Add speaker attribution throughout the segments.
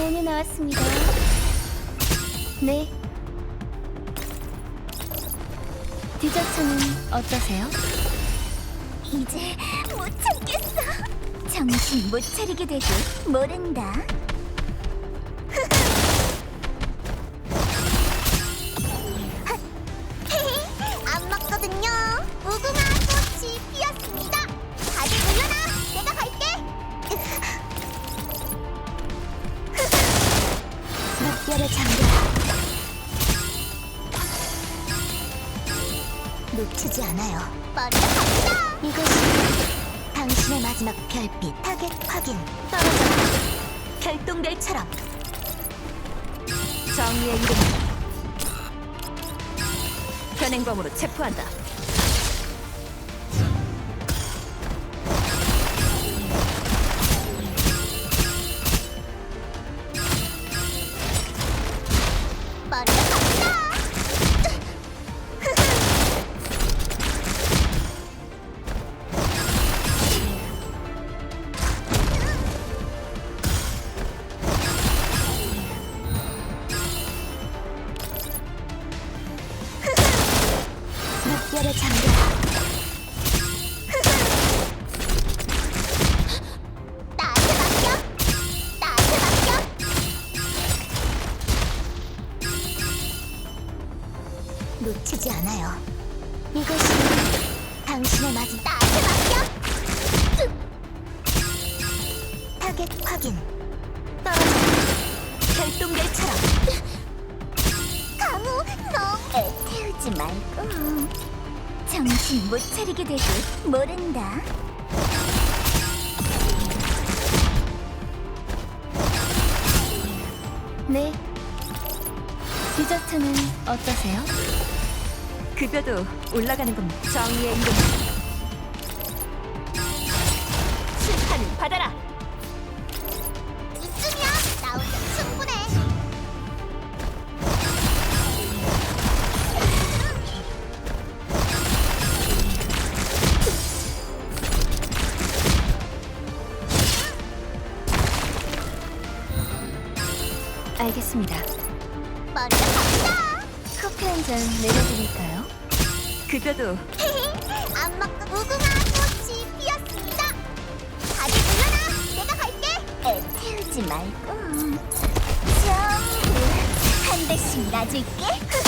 Speaker 1: 메뉴 나왔습니다. 네. 디저트는 어떠세요?
Speaker 2: 이제 못 참겠어. 정신 못 차리게 되고 모른다. 안 먹거든요. 무궁화 꽃이 피었습니다. 다들 물러나. 내가 갈게. 늑대를 잠겨라. 놓치지 않아요. 먼저 갑니다. 이것이 당신의 마지막 별빛. 타겟 확인. 떨어져. 결동별처럼.
Speaker 3: 정의의 이름 현행범으로 체포한다.
Speaker 2: 먼저 갑니다. 늑대를 잠겨라. 나한테 맡겨. 나한테 맡겨. 놓치지 않아요. 이것이 당신의 마지막. 나한테 맡겨. 타겟 확인. 떨어져. 결동별처럼. 강우, 너 애 태우지 말고. 정신 못 차리게 되고 모른다.
Speaker 1: 네. 디저트는 어떠세요?
Speaker 3: 급여도 올라가는 겁니다. 정의의 이름 심판을 받아라.
Speaker 2: 이쯤이야. 나 혼자 충분해.
Speaker 1: 알겠습니다.
Speaker 2: 먼저 갑니다.
Speaker 1: 커피 한 잔 내려드릴까요?
Speaker 3: 급여도
Speaker 2: 안 먹고 무궁화 꽃이 피었습니다. 다들 물러나. 내가 갈게. 애 태우지 말고 전부 한 대씩 놔줄게.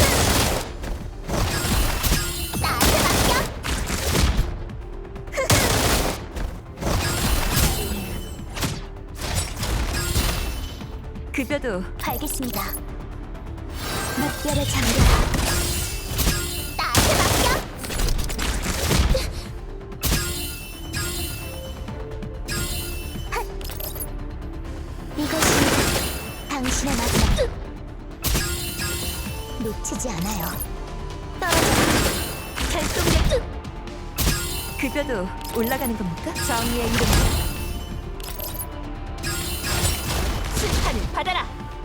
Speaker 2: 나한테 맡겨.
Speaker 3: 급여도
Speaker 2: 알겠습니다. 늑대를 잠겨라. 나한테 맡겨. 이것이 당신의 마지막. 놓치지 않아요. 떨어져. 결동별.
Speaker 3: 급여도 올라가는 겁니까? 정의의 이름 심판을 받아라.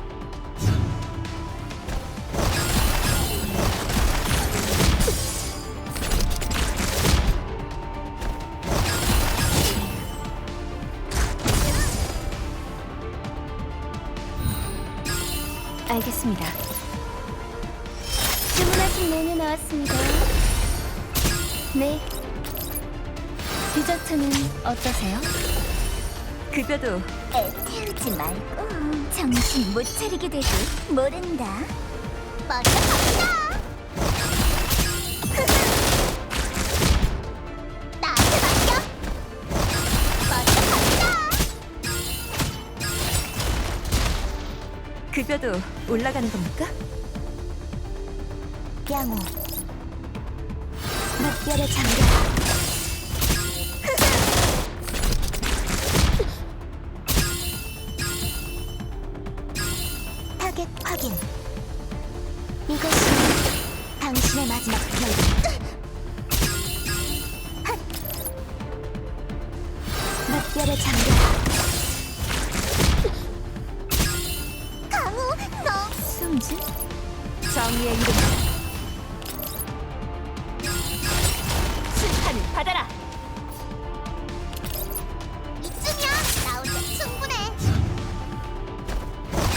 Speaker 1: 알겠습니다. 주문하신 메뉴 나왔습니다. 네. 디저트는 어떠세요?
Speaker 3: 급여도
Speaker 2: 애 태우지 말고 정신 못 차리게 되고 모른다. 먼저 갑니다. 나한테 맡겨. 먼저 갑니다.
Speaker 3: 급여도 올라가는 겁니까?
Speaker 2: 양호. 늑대를 잠겨라. 타겟 확인. 이것이 당신의 마지막 결. 늑대를 잠겨라. 강우, 너
Speaker 3: 숨지? 정의의 이름 심판을 받아라.
Speaker 2: 이쯤이야. 나 혼자 충분해.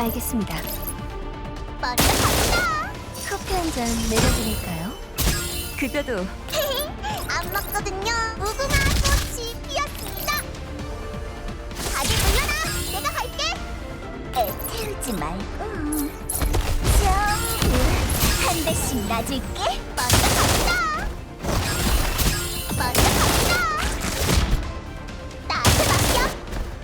Speaker 1: 알겠습니다.
Speaker 2: 먼저 갑니다.
Speaker 1: 커피 한 잔 내려드릴까요?
Speaker 3: 급여도
Speaker 2: 안 먹거든요. 무궁화 꽃이 피었습니다. 다들 물러나. 내가 갈게. 애태우지 말고 전부 한 대씩 놔줄게. 먼저 갑니다. 먼저 갑니다. 나한테 맡겨.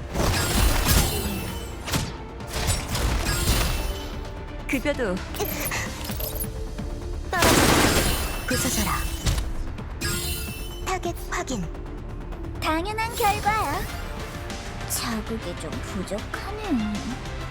Speaker 3: 급여도
Speaker 2: 부서져라. 타겟 확인. 당연한 결과야. 자극이 좀 부족하네.